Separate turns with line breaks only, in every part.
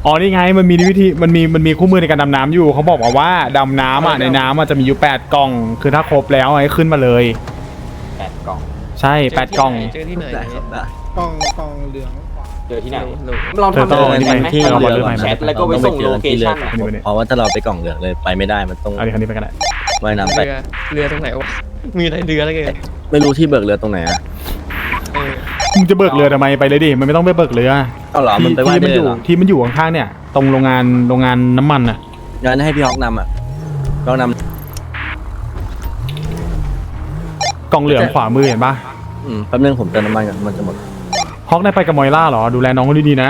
อ๋อนี่ไงมันมีวิธีมันมีคู่มือในการดำน้ำอยู่เขาบอกว่าดำน้ำอ่ะในน้ำอ่ะจะมีอยู่8กล่องคือถ้าครบแล้วให้ขึ้นมาเลย
8 กล่อง
ใช่8กล่อง
เจอที่ไหน
ได้ครับได้
กองเหลืองขวา
เจอที่ไหน
หนู
ลองทำ
เธอต้อง
เลย
ที่
ไห
ไป
ม
ที่
ให้
เรา
เรา
บอลเรื่องใหม่
แชทแล้วก็ไปส่งโลเคชั่น
เพราะว่าถ้าเราไปกล่องเหลืองเลยไปไม่ได้มันต้อง
เอาดิคันนี้ไปกันแหละ
ว่ายน้ำไป
เรือตรงไหนวะมีอะไรเรืออะไรกัน
ไม่รู้ที่เบิกเรือตรงไหนอ่ะ
มึงจะเบิกเรือทำไมไปเลยดิมันไม่ต้องไปเบิกเรือ
เอาเหรอมันไปว่ายได้
ที่
เลยเหรอ
ที่มันอยู่ข้างๆเนี่ยตรงโรงงานน้ำมันอ่ะ
งั้นให้พี่ฮอกนำอ่ะพี่ฮอกน
กล่องเหลืองขวามือเห็นปะ
แป๊บนึงผมเติมน้ำมันก่อนมันจะหมด
ฮอกได้ไปกับมอยล่าเหรอดูแลน้องเขาดีๆนะ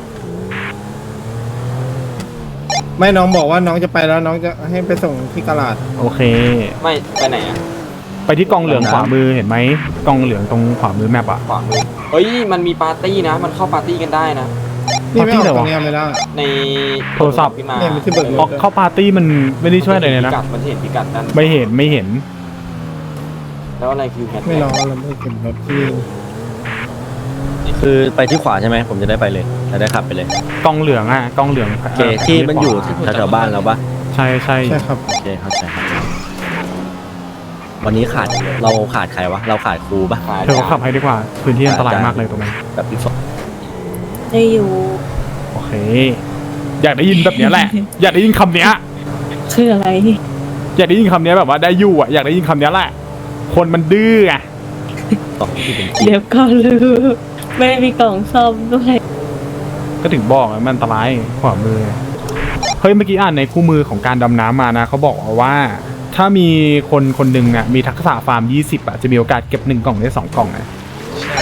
ไม่น้องบอกว่าน้องจะไปแล้วน้องจะให้ไปส่งที่กลาด
โอเค
ไม่ไปไหนอ่ะ
ไปที่กล่องเหลืองขวามือเห็นไหมกล่องเหลืองตรงขวามือแมปอ่ะ
ขวามือเฮ้ยมันมีปาร์ตี้นะมันเข้าปาร์ตี้กันได้นะ
นี่ไม่ออก
ที่ไหนวะ
ตรงนี้ไม่ได้
ใน
โทรศัพท์
ขึ้นมา
เนี่ยมันที่เบิกรถ
ออกเข้าปาร์ตี้มันไม่ได้ช่วยอะไรเลยนะ
มันเห็นพิกัดนั้น
ไม่เห็น
แล้วอะไรคือแฮช
ไม่
แท็
รอก เราไม่เก็บรถที่
คือไปที่ขวาใช่ไหมผมจะได้ไปเลยจะได้ขับไปเลย
กล่องเหลืองอ่ะกล่องเหลือง
โอเคที่มันอยู่แถวๆบ้านเราปะ
ใช่
ใช่ครับ
โอเคเข้าใจครับวันนี้เราขาดใครวะเราขาดครูปะ
เธอก็ขับให้ดีกว่าพื้นที่อันตรายมากเลยตรงนั้น
แบบพี่ฟก
ได้อยู่
โอเค อยากได้ยินแบบเนี้ยแหละ อยากได้ยินคำเนี้ย
คืออะไร
อยากได้ยินคำเนี้ยแบบว่าได้อยู่อ่ะอยากได้ยินคำเนี้ยแหละ คนมันดื้ออ่ะ
ที่เป็น
เดี๋ยวก็ลืมไม่ได้มีกล่องซ่อมด้วย
ก็ถึงบอกอะมันอันตรายขวามือเฮ้ยเมื่อกี้อ่านในคู่มือของการดำน้ำมานะเขาบอกว่า ถ้ามีคนหนึ่งอ่ะมีทักษะฟาร์ม20อ่ะจะมีโอกาสเก็บ1กล่องได้2กล่องนะ
ใช่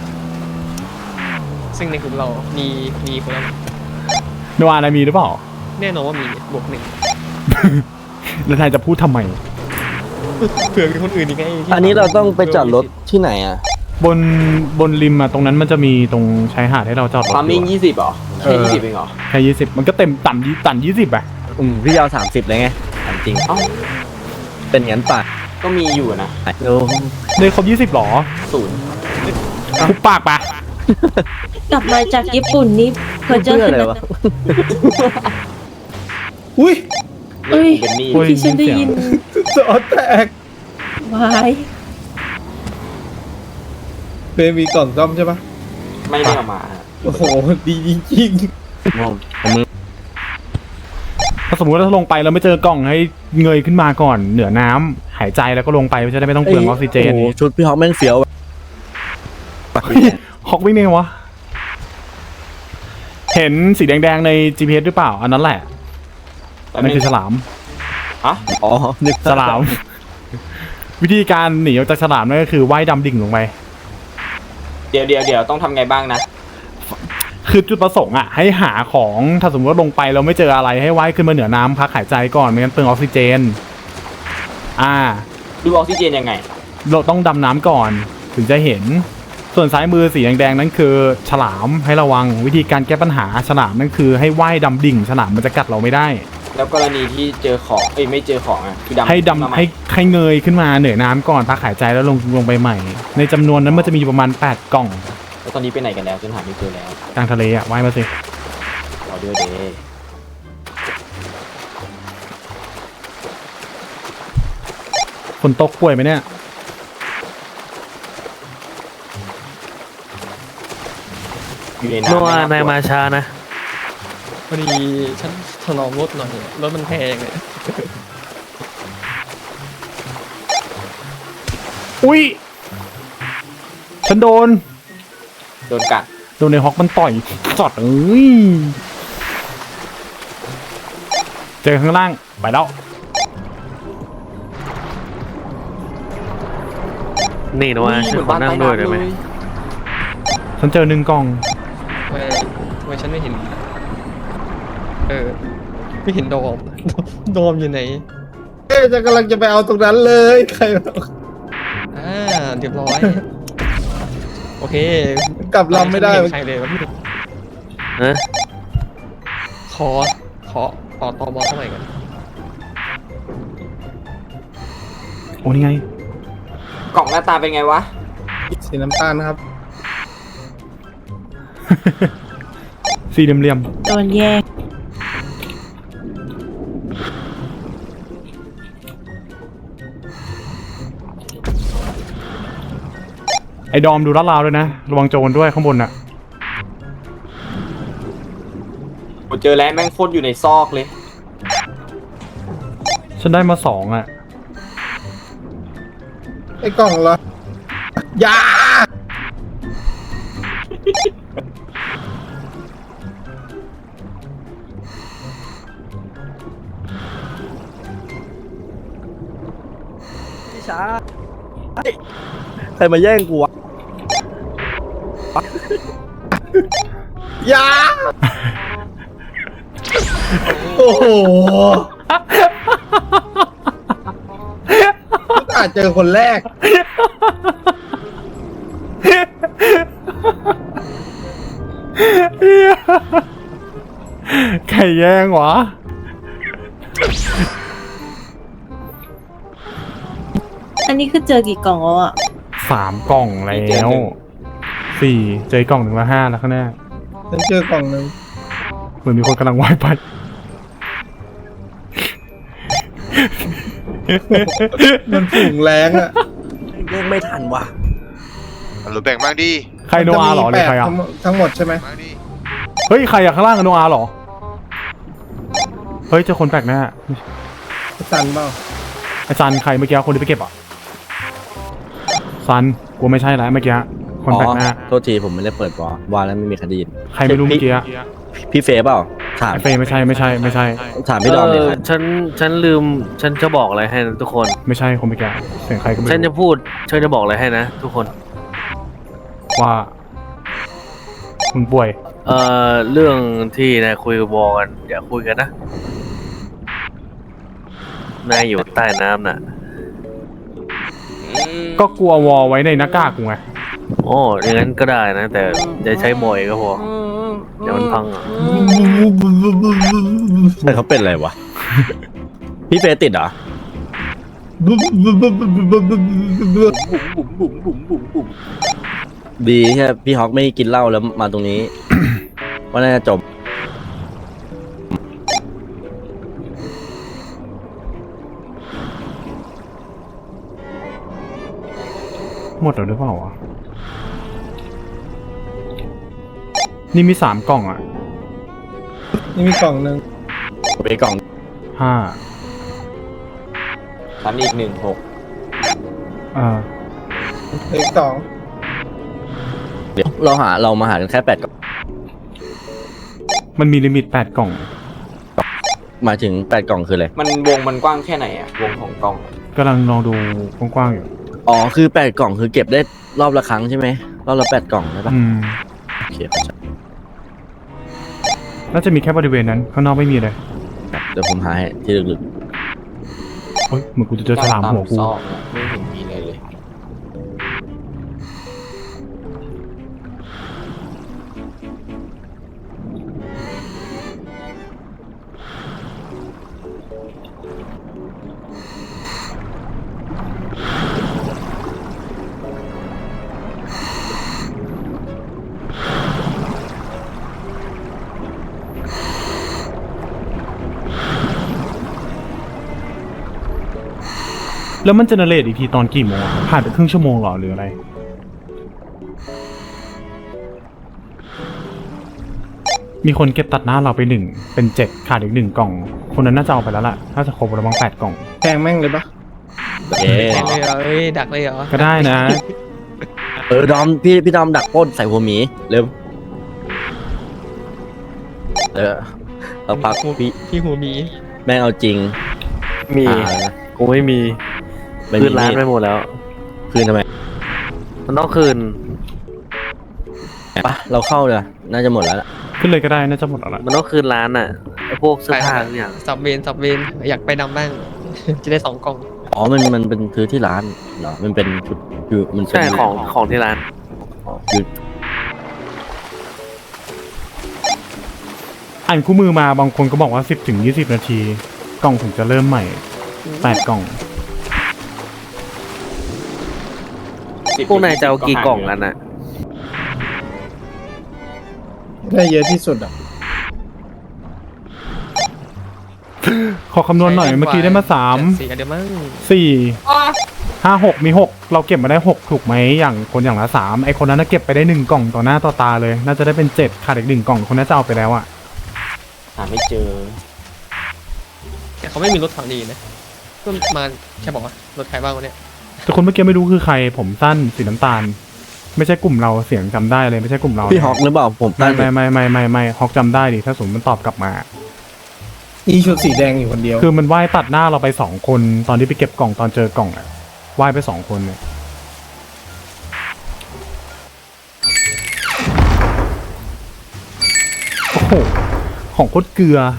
ซึ่งในกลุ่มเรามีคนละ
โนอานามีหรือเปล่า
แน่นอนว่ามีบวกหนึ่ง
แล้วนายจะพูดทำไม
เผื่อมีคนอื่นอีกไงที่
อันนี้เราต้องไปจอดรถที่ไหนอ่ะ
บนริมอ่ะตรงนั้นมันจะมีตรงชายหาดให้เราจอดรถ
ฟาร์มมิ่ง
อยู่
20เหรอแค่20เองเหรอ
แค่20มันก็เต็มต่ำ20อ่ะ
พี่ยาว30เลยไงถามจริง
เอ้า
เป็นงั้นป่ะ
ก็มีอยู่นะ
โอ้
เลยครบ20หรอ
0
คุบปากปะ
กลับมาจากญี่ปุ่นนี่เพอเจอ
เพื่ออะไรวะ
อุ้ย
เอ้ย
เป็นหนี่
โอ้ย
ที่ฉันได้ยิน
จอแตก
วาย
เป็นมีกล่องซ่อมใช่ปะ
ไม่ได้เอามา
โอ้โหดีจริง
ผมมือ
ถ้าสมมติว่าถ้าลงไปแล้วไม่เจอกล่องให้เงยขึ้นมาก่อนเหนือน้ำหายใจแล้วก็ลงไปจะได้ไม่ต้องเปลืองออกซิเจน
โอ้โหชุดพี่ฮอกแม่งเฟี้ยว
ฮอกวิ่งไงวะเห็นสีแดงๆใน GPS หรือเปล่าอันนั้นแหละนั่นคือฉลาม
ฮะ
อ๋อนึก
ฉลาม วิธีการหนีออกจากฉลามนั่นก็คือว่ายดำดิ่งลงไป
เดี๋ยวต้องทำไงบ้างนะ
คือจุดประสงค์อ่ะให้หาของถ้าสมมติว่าลงไปเราไม่เจออะไรให้ว่ายขึ้นมาเหนือน้ำพักหายใจก่อนไม่งั้นเปลืองออกซิเจน
ดูออกซิเจนยังไง
เราต้องดำน้ำก่อนถึงจะเห็นส่วนซ้ายมือสีแดงๆนั่นคือฉลามให้ระวังวิธีการแก้ปัญหาฉลามนั่นคือให้ว่ายดำดิ่งฉลามมันจะกัดเราไม่ได้
แล้วกรณีที่เจอของไม่เจอของอ่ะคือดำ
ให้
ขึ้นมา
ดำ
ใหม่
ให้เงยขึ้นมาเหนือน้ำก่อนพักหายใจแล้วลงไปใหม่ ในจำนวนนั้นมันจะมีอยู่ประมาณ8กล่อง
แล้วตอนนี้ไปไหนกันแล้วจนหาไม่เจอแล้ว
กลางทะเลอ่ะว่ายมาสิ
รอด้วยเด้
ฝนตกป่วยไหมเนี่ย
อยู่ใน
นัว
น้ำ
นายมาช้านะพอดีฉันถนอมรถหน่อยรถมันแพงเลย
อุ้ยฉันโดน
โดนกัด
ในฮอกมันต่อยจอดเจอข้างล่างไปแล้ว
นี่นะว่าฉันขอนั่งด้วยได้ไหม
ฉันเจอ1กล่อง
ทำไมฉันไม่เห็นไม่เห็นโดม โดมอยู่ไหน
ๆเอ๊ะจะกำลังจะไปเอาตรงนั้นเลยใครบอก
เรียบร้อย โอเค
กลับลำไม่ได้
ใครเลยวะพี่
ฮะ
ขอตอบอเท่าไหร่กัน
โอ้นี่ไง
กล่องหน้าตาเป็นไงวะ
สีน้ำตาลครับ
สี่เหลี่ยม
โดนแยก
ไอ้ดอมดูลาดราวด้วยนะระวังโจรด้วยข้างบนน่ะ
ผมเจอแล้วแม่งโคตรอยู่ในซอกเลย
ฉันได้มา2อ่ะ
ไอ้กล่องเหรอ ยา
พี่ช้าใครมาแย่งกูวะ
ยา โอ้โหอาจเจอคนแรก
ใครแย่งวะ
อันนี้คือเจอกี่กล่องแล้วอ่ะ
3 กล่องแล้ว4เจอกล่อง1 ละ 5แล้วข้างหน้า
ฉันเจอกล่องหนึ่ง
เหมือนมีคนกำลังว่ายไป
มันฝูงแรงอ่ะ
แย่งไม่ทันว่ะ
หรือแบ่งบ้างดิ
ใครโนอาเหรอหรือใครอ่ะ
ทั้งหมดใช่ไหม
บ้างดิ
เฮ้ยใครอ่ะข้างล่างอะโนอาเหรอ เฮ้ยเจอคนแปลกหน้า
สันเปล่า
ไอ้ซันใครเมื่อกี้คนที่ไปเก็บอ่ะซันกูไม่ใช่แล้วเมื่อกี้คนแปลกหน้า
โทษทีผมไม่ได้เปิดวาแล้วไม่มีคดีน
ใครไม่รู้เมื่อกี้อะ
พี่เฟย์เปล่า ถาม
ไอ้เฟย์ไม่ใช่ไม่ใช่
ถามพี่ดอมเลยครับ
ฉันลืมฉันจะบอกอะไรให้นะทุกคน
ไม่ใช่คนเมื่อกี้เสียงใครก็ไม่
ฉันจะ
รู้
พูดฉันจะบอกอะไรให้นะทุกคน
ว่ามึงป่วย
เรื่องที่นายคุยกับวอกันอย่าคุยกันนะนายอยู่ใต้น้ำน่ะ
ก็กลัววอไว้ในหน้ากากกูไง
โอ้อย่างนั้นก็ได้นะ แต่จะใช้บ่อยก็พอเดี๋ยวมันพังอ่ะ
แต่เขาเป็นอะไรวะ พี่เฟย์ติดเหรอ ดีแค่พี่ฮอกไม่กินเหล้าแล้วมาตรงนี้ ว่าน่าจะจบ
หมดแล้วหรือเปล่าวะนี่มี3 กล่องอ่ะ
นี่มีกล่องหนึ่ง
ไปกล่อง
5
ฉันอีก1 6
เลขสอง
เดี๋ยวเรามาหากันแค่8 กล่อง
มันมีลิมิต8 กล่อง
หมายถึง8 กล่องคืออะไร
มันวงมันกว้างแค่ไหนอะวงของกล่อง
กำลังลองดูกว้างๆอยู่
อ๋อคือ8 กล่องคือเก็บได้รอบละครั้งใช่ไหมรอบละ8 กล่องใช่ปะ โอเคเข้าใจ
น่าจะมีแค่บริเวณนั้นข้างนอกไม่มีเลย
เดี๋ยวผมหาให้ที่ลึก
เฮ้ยเหมือนกูจะเจอฉลามหัวกู
ซอกเนี่ยไม่เห็นมีอะไรเลย
แล้วมันเจเนเรตอีกทีตอนกี่โมงอะผ่านไปครึ่งชั่วโมงเหรอหรืออะไร มีคนเก็บตัดหน้าเราไป1เป็น7ขาดอีก1 กล่อง คนนั้นน่าจะเอาไปแล้วล่ะน่าจะครบแล้วมั้ง8 กล่อง
แทงแม่งเลยปะ
ๆเอ๊ะ
แทงเลยเหรอเอ้ยดักเลยเหรอ
ก็ได้นะ
ดอมพี่ดอมดักปล้นใส่หัวหมีเร็วเราพักพี่
พี่หูมี
แม่งเอาจริง
มี
หา
กูไม่มี
ไม่
คื
มี
นร้านไปหมดแล้ว
คืนทำไม
มันต้องคืน
ปะเราเข้าเลยน่าจะหมดแล้วล่ะ
ขึ้นเลยก็ได้น่าจะหมดแล้วล่ะ
มันต้องคืนร้านอ่ะไอ้พวกเสื้อผ้าทุกอย่าง
สับเวนอยากไปนำบ้าง จะได้2 กล่อง
อ๋อมันเป็นซื้อที่ร้านเหรอมันเป็นชุดอยู่มันเป็น
ใช่ของที่ร้าน
อยู่
อ่านคู่มือมาบางคนก็บอกว่า10 ถึง 20 นาที กล่องถึงจะเริ่มใหม่8 กล่อง
พวกนายจะเอากี่กล่องกันอ่ะ
ได้เยอะที่สุดอ่ะ
ขอคำนวณหน่อยเมื่อกี้ได้มา3
4เดี๋ยวมั้ง
4 5 6มี6เราเก็บมาได้6ถูกไหมอย่างคนอย่างละ3ไอคนนั้นน่ะเก็บไปได้1กล่องต่อหน้าต่อตาเลย น่าจะได้เป็น7ขาดอีก1กล่องคนน่าจะเอาไปแล้วอะ
หาไม่เจอ
แต่เขาไม่มีรถถังดีนะก็มาแค่บอกว่ารถใครบ้างวะเนี่ย
แต่คนเมื่อกี้ไม่รู้คือใครผมสั้นสีน้ำตาล ไม่ใช่กลุ่มเราเสียงจำได้เลยไม่ใช่กลุ่มเรา
พี่ฮอกหรือเปล่าผม
ไม่
ตั้ง
ไม่ฮอกจำได้ดิถ้าสมมติมันตอบกลับมา
อีชุดสีแดงอยู่คนเดียว
คือมันว่ายตัดหน้าเราไป2คนตอนที่ไปเก็บกล่องตอนเจอกล่องอะว่ายไป2คนเนี่ยโอ้โหของโคตรเกลือ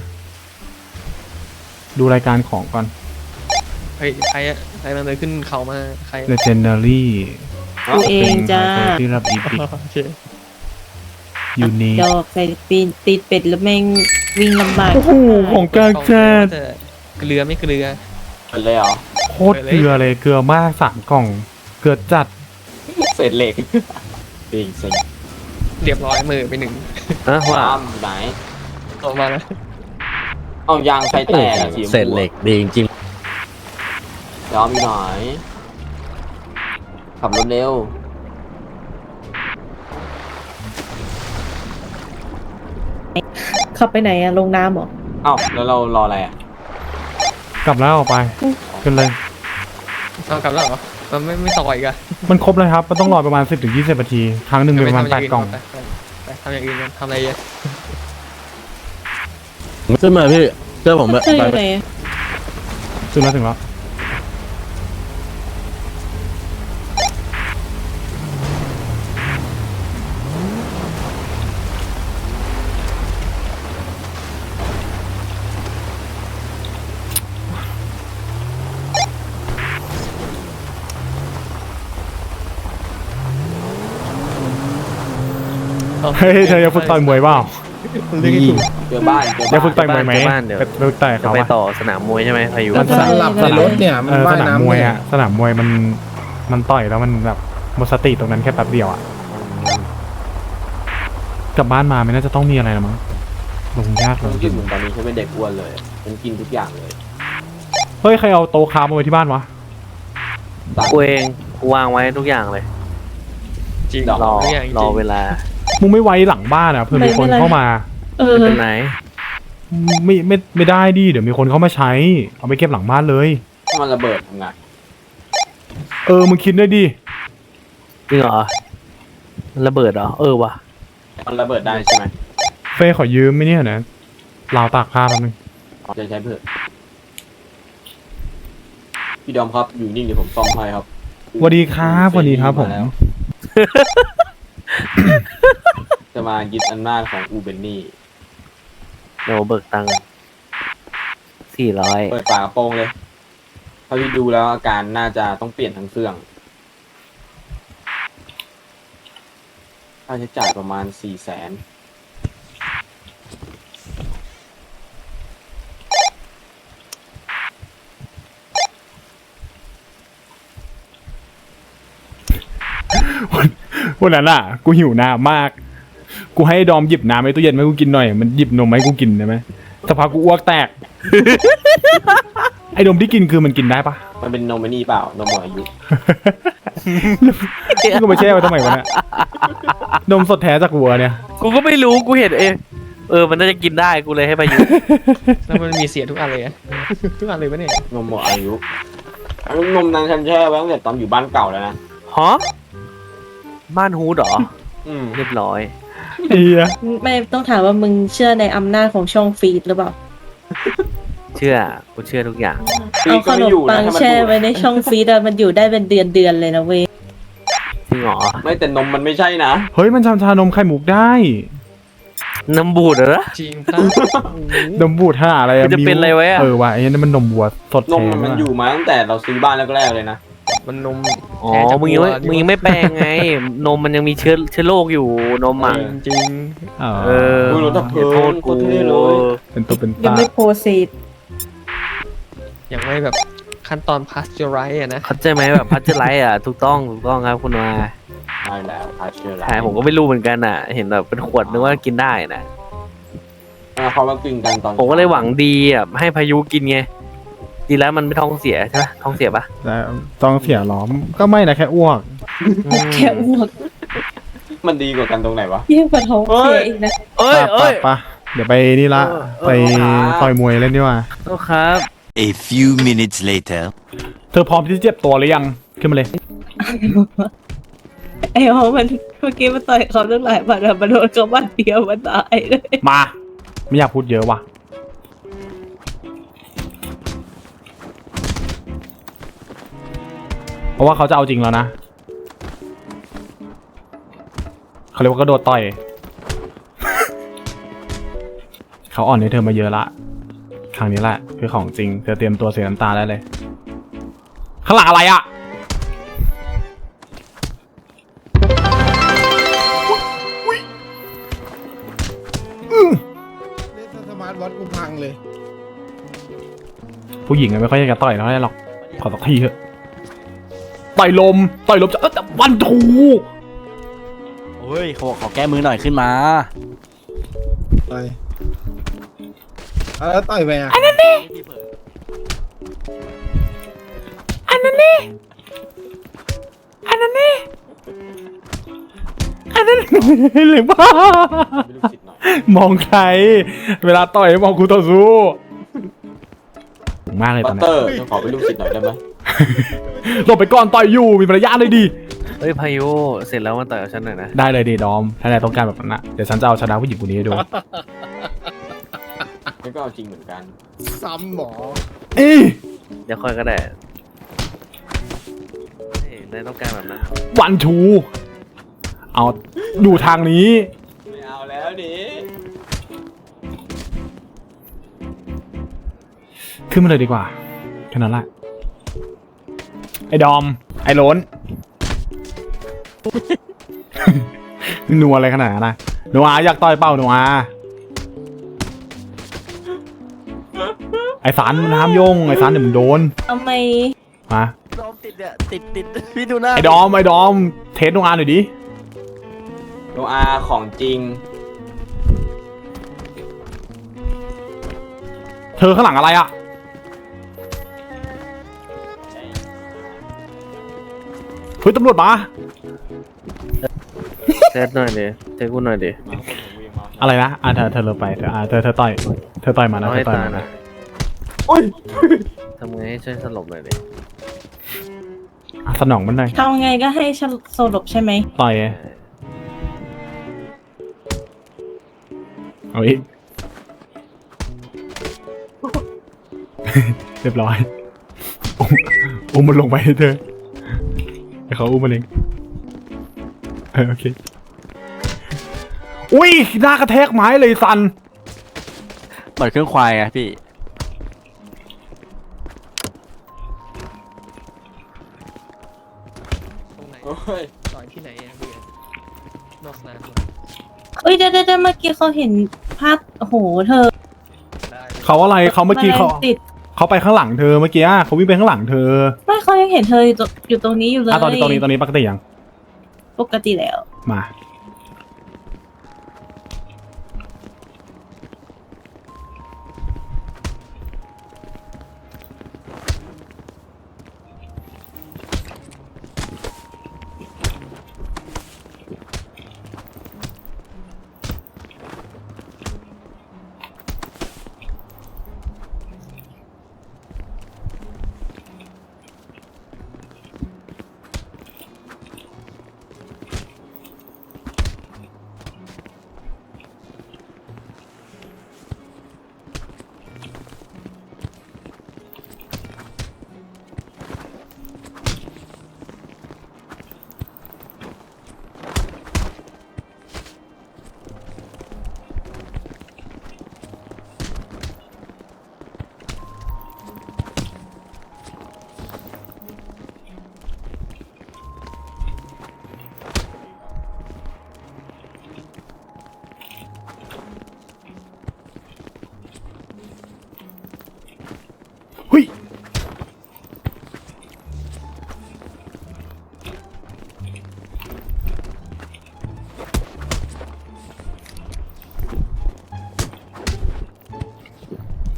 ดูรายการของก่อน
เฮ้ยใครอะใครมันเลยขึ้นเขามาใคร
Legendary
กูเองจ้า
ที่รับอีพิก
โอเค
ยูนิ
ดอกใส่ปีนติดเป็ดแล้วแม่งวิ่งลำบาก
โอ้โหของกลางแจ้ด
เกลือไม่เกลือ
เปิดเลยเหรอ
โคตรเกลือเลยเกลือมาก3กล่อง เกลือจัด
เศษเหล็กจริงสิ
เรียบร้อยมือไป1
นะว่า
ตามไหน
ออกมาแล้ว
เอายางไฟแตกอะสีชมพู
เศษเหล็กดีจริง
ยอมอยู่หน่อยขับรถเร็ว
ขับไปไหนอะลงน้ำเหรอ
เอ้าแล้วเรารออะไรอ่ะ
กลับแล้วออกไปขึ้นเลย
เอากลับแล้วเหรอมันไม่ต่ออีกอะ
มันครบเลยครับ มันต้องรอประมาณ 10-20 นาที ครั้งหนึ่งมีประมาณ8กล่อง
ไปทำอย่างอื่นกันทำอะไรอะ
ๆขึ้นมาพี่เชื่อผม
เธออยู่ไหนอะ
ถึงแล้วเฮ้ยเธอยังฝึกต่อยมวยเปล่า
เรื่องให้ถูก
เจอบ้านเจอ
ยังฝึกต่
บ้า
อน ยมวยไหม
บ้านเดี๋ยว
ไปฝึกต่อย
จะ
เขา
ไป
อะ
ต่อสนามมวยใช่ไหมพายุ
มันสลับในรถเนี่ยมัน
ส
ว่าย
นาม
น้ำ
มวย
เนี่ย
อะสนามมวยมันต่อยแล้วมันแบบหมดสติตรงนั้นแค่แป๊บเดียวอะกลับบ้านมาไม่น่าจะต้องมีอะไรแล้วมั้งลงยากล
ผม
ง
รู้สึกเหมือนตอนนี้ฉันเป็นเด็กอ้วนเลยฉันกินทุกอย่างเลย
เฮ้ยใครเอาโต๊ะค้ามาไว้ที่บ้านวะ
กูเองกูวางไว้ทุกอย่างเลย
จริง
รอ
ทุกอย่างจริง
รอเวลา
มึงไม่ไว้หลังบ้านอะเพื่อมีคนเข้ามา
เออ
ไม่เป็นไร
ไม่ได้ดิเดี๋ยวมีคนเข้ามาใช้ เอาไปเก็บหลังบ้านเลย
ถ้ามันระเบิดทำไง
มึงคิดด้วยดิ
จริงเหรอมันระเบิดเหรอว่ะ
มันระเบิดได้ใช่ไหม
เฟยขอยืมไหมเนี่ยนะราวตากผ้าแป๊บนึง
จะใช้เพื่อพี่ดอมครับอยู่นิ่งเดี๋ยวผมซ่อมให้ครับ
สวัสดีครับสวัสดีครับผม
าแล้ว จะมายึดอำนาจของอูเบนนี่
เดี๋ยวเบิกตังค์400
เปิดฝากระโปรงเลยเท่าที่ดูแล้วอาการน่าจะต้องเปลี่ยนทั้งเครื่องค่าใช้จ่ายประมาณ400,000
วันนั้นอ่ะ กูหิวน้ำมาก กูให้ดอมหยิบน้ำในตู้เย็นมาให้กูกินหน่อย มันหยิบนมมาให้กูกินได้ไหมสักพักกูอ้วกแตก ไอ้นมที่กินคือมันกินได้ปะ
มันเป็นนมไอ้นี่เปล่านมหมดอายุ
กูมาแช่ไว้ทำไมวะเนี่ยนมสดแท้จากวัวเนี่ย
กูก็ไม่รู้กูเห็นมันน่าจะกินได้กูเลยให้พายุ
แล้วมันมีเสียทุกอันเลยอะ ทุกอันเลยปะเนี่ย
นมหมดอายุนมนั้นฉันแช่ไว้ตั้งแต่ตอนอยู่บ้านเก่าแล้วนะ
ฮะบ้านฮูดเหรอ
อืม
เรียบร้อย
เอีย
ไม่ต้องถามว่ามึงเชื่อในอำนาจของช่องฟีดหรือเปล่า
กูเชื่อทุกอย่าง
เอาขนมปังแช่ไว้ในช่องฟีดอะมันอยู่ได้เป็นเดือนเลยนะเว้ย
จริงเหรอ
ไม่แต่นมมันไม่ใช่นะ
เฮ้ยมันชานมไข่มุกได้
น้ำบูดเหรอ
จริงปะ
นมบูดห่าอะไรอะ
มันจะเป็นอะไรไว้อะ
ว่ะไอ้นั่นมันนมวัวสด
น
แท้
มมันอยู่มาตั้งแต่เราซื้อบ้านแรกๆเลยนะ
มันนม
อ๋อ
แท้จาก
มึงยังไม่แปลงไง นมมันยังมีเชื้อโรคอยู่นมอ่ะ
จริง
อ๋อ
อุ้ยรถดับเพลิง
อย่าโทษ
โค
กู
ตรเท่เลย
เป็นตัวเป็น
ยัง
ตา
ไม่โพสซีด
อย่างไม่แบบขั้นตอนพาสเจอไรอะนะ
เข้าใจไหมแบบพัชเจอร์ไลท์อ่ะถูกต้องครับคุณมา
ใช่แล้วพาเชื่อ
ใช่ผมก็ไม่รู้เหมือนกันอ่ะ เห็นแบบเป็นขวดนึกว่ากินได้นะ
เขามาปิงกันตอน
ผมก็เลยหวังดีอ่ะให้พายุกินไงดีแล้วมันไม่ท้องเสียใช่ไหมท้องเสียปะ
แต่ต้องเสียล้อมก็ไม่นะแค่อ้วก
แค่อ้วก
มันดีกว่ากันตรงไหนวะ
ยิ่งกว่าท้องเสียอีกนะ
เอ้ย
ปะ
เอ้ย
ปะเดี๋ยวไปนี่ละ ไปต่อยมวยเล่นดีกว่า
โทษครับ
A few minutes later.
เธอพร้อมที่จะเจ็บตัวหรือยังขึ้นมาเลย
ไอ้เพราะมันเมื่อกี้มันต่อยเขาตั้งหลายบาทอะมันโดนเขาบาดเดียวมันตายเลย
มา ไม่อยากพูดเยอะว่ะ เพราะว่าเขาจะเอาจริงแล้วนะ เขาเรียกว่ากระโดดต่อย เขาอ่อนให้เธอมาเยอะละ ครั้งนี้แหละคือของจริง เธอเตรียมตัวเสียน้ำตาได้เลย ข้างหลังอะไรอะ
เล่นสมาร์ทวอทกูพังเลย
ผู้หญิงอะไม่ค่อยอยากจะต่อยเท่าไหร่หรอก ขอสักทีเถอะ ต่อยลมจะแต่วันทู
โอ้ยเขาบอกขอแก้มือหน่อยขึ้นมา
ต่อยแล้วต่อยไปอ่ะ
อันนั้นเลยบ้า
ไม่รู้สิทธิ์หน่อย
มองใคร เวลาต่อยมองคู่ต่อสู้มากเลยต
บั
อน
ต
นี้
เตอร์ขอเป็นลูกศิษย์หน่อยได้ไหม
หลบไปก่อนต่อยอยู่มีมารยาทเลยดี
เฮ้ยพายุเสร็จแล้วมาต่อยกับฉันหน่อยนะ
ได้เลยดีดอม ถ้านายต้องการแบบนั้นนะเดี๋ยวฉันจะเอาชนะผู้หญิงคนนี้ให้ดู
นี่ก็เอาจริงเหมือนกัน
ซ้ำหมอ
อี
เดี๋ยวค่อยก็ได้เฮ้ยนายต้องการแบบนั้น
วันทู เอาดูทางนี้
ไม่เอาแล้วดิ
ขึ้นมาเลยดีกว่าแค่นั้นแหละ ไอ้ดอม ไอ้โลน นัวอะไรขนาดนั้นนะนัวอยากต่อยเป้านัวไอ้สารมันห้ามโยงไอ้สารเดี๋ยวมึงโดน
ทำไม
มา
ดอมติดเนี่ยติดพี่ดูหน้า
ไอ้ดอม เทสนัวหน่อยดิ
โนอาของจริง
เธอข้างหลังอะไรอะเฮ้ยตำรวจมา
เทสหน่อยดิเทสกูหน่อยดิ
อะไรนะเธอเลยไปเธอต่อยมานะ
เอา
เธ
ให้
อต่อย
ตาย
มา
หน่อ
นะ
ย
โอ้ย
ทำไงให้ช่วยสลบหน่อยดิ
สนองมันหน่อย
ทำไงก็ให้ฉันสลบใช่ไหม
ต่อยเอาอีก เรียบร้อย อุ้มมันลงไปให้เธอให้เขาอุ้มมันเองโอเค อุ้ยหน้ากระแทกไม้เลยสัน
เหมือนเครื่องควายไงพี่
ตรงไหน
โอ้ย
ต่อยที่ไหนอะเบียร์นอกสนามเหรอ
เอ้ยเดี๋ยวเมื่อกี้เขาเห็นภาพโอ้โหเธอ
เขาอะไรเขาเมื่อกี้
แมลงติด
เขาไปข้างหลังเธอเมื่อกี้เขาวิ่งไปข้างหลังเธอ
ไม่เขายังเห็นเธออยู่ตรงนี้อยู่เลย
ตอนนี้ปกติยัง
ปกติแล้ว
มา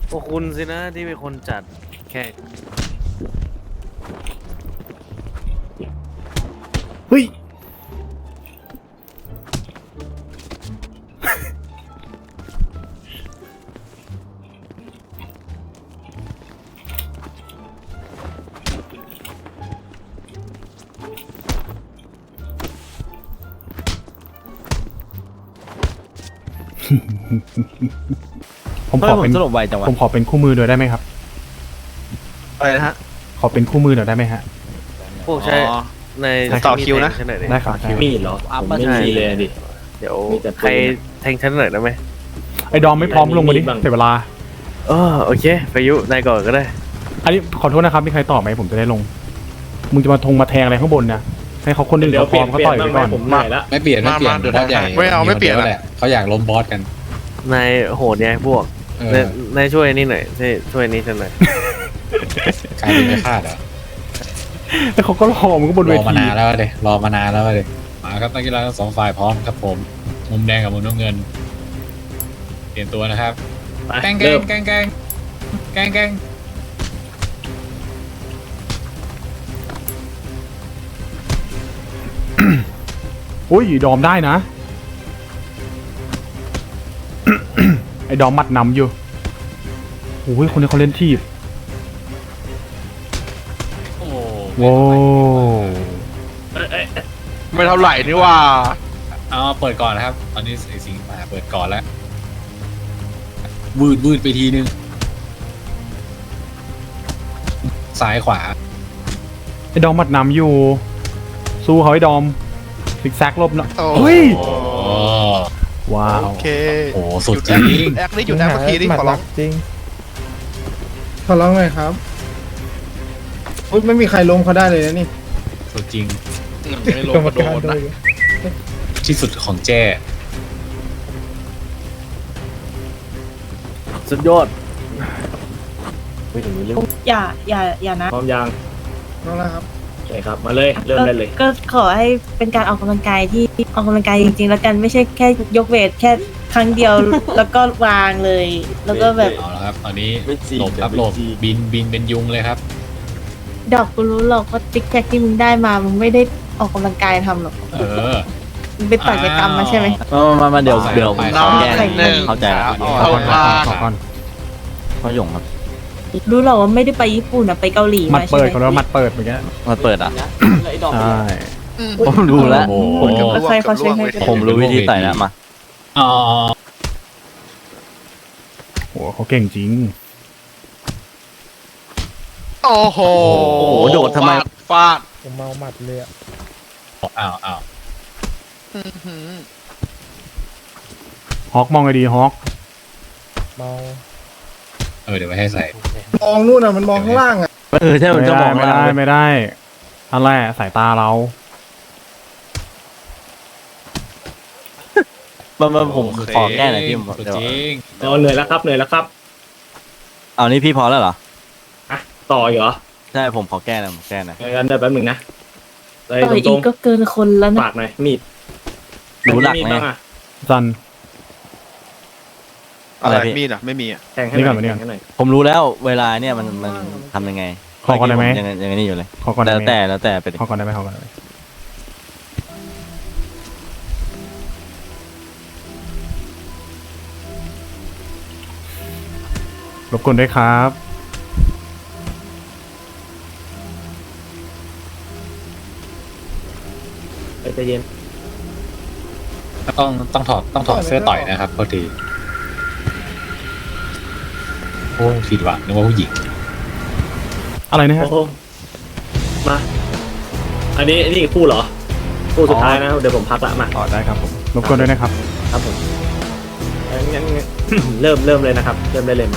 พวกคุณสินะที่เป็นคนจัดแค่
เฮ้ย ผม
เฮ้
ข
ย
อ
ผ
เป็
ม
น
สรุปไวจังวะ
ผมขอเป็นคู่มือหน่อยได้ไหมครับ
อะไรนะฮะ
ขอเป็นคู่มือหน่อยได้ไหมฮะ
พวกใช้ใน
ต่อคิวนะ
ใช่ไหม
ได้ครับได้
มีดเหรอผมไม่มีเลยดิ
เดี๋ยวใครแทงฉันหน่อยได้ไหม
ไอ้ดอมไม่พร้อมลงมาดิเสียเวลา
โอเคพายุนายก่อนก็ได้
อันนี้ขอโทษนะครับมีใครตอบไหมผมจะได้ลง มึงจะมาแทงอะไรข้างบนนะให้เขาคนอื่นเขาพร้อมเขาต่อยไปก่อน
ไม่เปลี่ยนเดี๋ยวบอสใหญ่
ไม่เอาไม่เปลี่ยน
แหละเขาอยากล้มบอสกัน
นายโหดไงพวก
เออน
ายช่วยนี่หน่อยช่วยนี่ฉันหน่อย
กลายเป็นไม่คาดเหรอ
แล้วเขาก็รอมึงก็บน
ร
เว
อมา
ที
นานแล้วเลยรอมานานแล้วเลยมาครับนักกีฬาทั้งสองฝ่ายพร้อมครับผมมุมแดงกับมุมน้ำเงินเปลี่ยนตัวนะครับแกงแกงแกงแกงแกงแกง
อุ้ยดอมได้นะ ไอ้ดอมมัดนำอยู่โอ้ยคนนี้เขาเล่นทีบ
โอ้
โว้
ไม่เท่าไหร่นี่ว่า
เอาเปิดก่อนนะครับ ตอนนี้ไอ้สิงห์มาเปิดก่อนแล้ววืดไปทีนึงซ้ายขวา
ไอ้ดอมมัดนำอยู่ สู้เขาไอ้ดอมซิกแซกลบนะ
โอ้
เฮ้ย
โอ้
ว้าว
โอเค
โหสุดจริง
แอคนี่อยู่แอคเมื่อกี้นี่ขอร้อง
จริงขอร้องเลยครับอุ๊ยไม่มีใครล้มเขาได้เลยนะนี่
สุดจริง
ไม่ลงกระโดดนะ
ที่สุดของแจ้
สุดยอด
อย่านะ
พร้อมยัง
น้องแล้วครับ
ใช่ครับมาเลยเริ่มได้เลย
ก็ขอให้เป็นการออกกำลังกายที่ออกกำลังกายจริงๆ แล้วกันไม่ใช่แค่ยกเวทแค่ครั้งเดียว แล้วก็วางเลย แล้วก็แบบ
เอาละครับ ตอนนี้หลบครับหลบบินเป็นยุงเลยครับ
ดอกกูรู้หรอกว่าติ๊กแท็กที่มึงได้มามึงไม่ได้ออกกำลังกายทำหรอก
เออ
มึงไปต่อยไปกรรมมาใช่ไหม
มาเดี๋ยว
ไป
ขอแก้
หนึ่ง
เข้าใจแล้ว
ขอก่อนขอก่อน
พ่อหยงครับ
รู้หรอกว่าไม่ได้ไปญี่ปุ่นอะไปเกาหลี
มัด
มาใช่
เปิด
ไหม
เขาเรียกว่ามัดเปิดเหมือนกัน
มาเปิดอ่ะ
นะแล้วไอ้ดอก
ใช่
ผมดูแล้ว
โอ้โห
แล้วใครเขาใช้ให้
ผมรู้วิธีใส่แล้วมา
อ๋อ
โหเขาเก่งจริง
โอ้โห
โอ้โหโดดทำไม
ฟาด
ผมเมาหมัดเลยอะ
อ้าว
ฮอกมองไงดีฮอก
เมา
เดี๋ยวไว้ให้ใส่
มองนู่นอะมันมองข้างล่างอะ
ใช่มันจะบอก
ไม่ได้อะไรสายตาเรา
ผมขอแก้หน่อยพี่ผม
สุด
เดี๋ยว
จริง
เหนื่อยแล้วครับเอานี่พี่พอแล้วเหรอต่อเหรอใช่ผมขอแก้หน่อยงั้นได้แป๊บหนึ่งนะ
ต่อยอีกก็เกินคนแล้วนะ
ปากหน่อยมีดรู้หลักไหม
จัน
อะไร
พี่
มีดอ่ะไม่มีอ่ะ
นี่ก่อนนี่ก่อน
ผมรู้แล้วเวลาเนี่ยมันทำยังไง
ขอก่อนได้ไหม
ยังนี่อยู่เลย
ขอก่อนได้
แล้ว
ไหม
แต่ไปดิ
ขอก่อนได้ไหมขอก่อนได้ไหมรบกวนด้วยครับ
ใจเย็น
ต้องถอดเสื้อต่อยนะครับพอดีโอ้ผิดหวังนึกว่าผู้หญิง
อะไรนะฮะ
มาอันนี้คู่เหรอคู่สุดท้ายนะเดี๋ยวผมพักละมา
อ๋อได้ครับผมรบกวนด้วยนะครับ
ครับผมงั้น เริ่มเลยนะครับ เริ่มได้เลยมา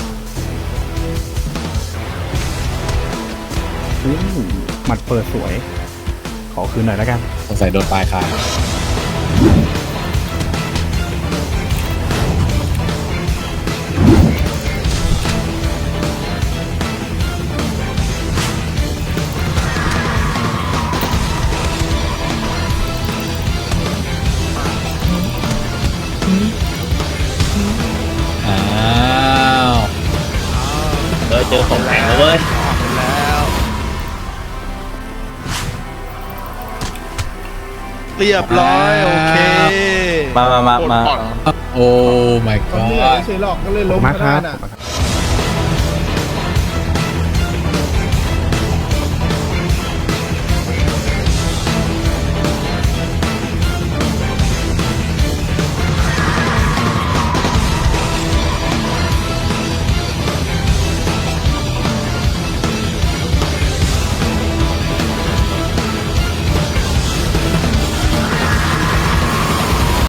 หมัดเปิดสวย ขอคืนหน่อยแล้วกัน
สงสัยโดนปลายคาง อ้าว
เจอของแข็งแล้วเว้ย
เรียบร้อยโอเค
มา
โอ้ my
ผมเหนื่อย
god
เฉยหรอกก็เลยล้ม
มา
ก็
ค
ได้
รับ
น่ะ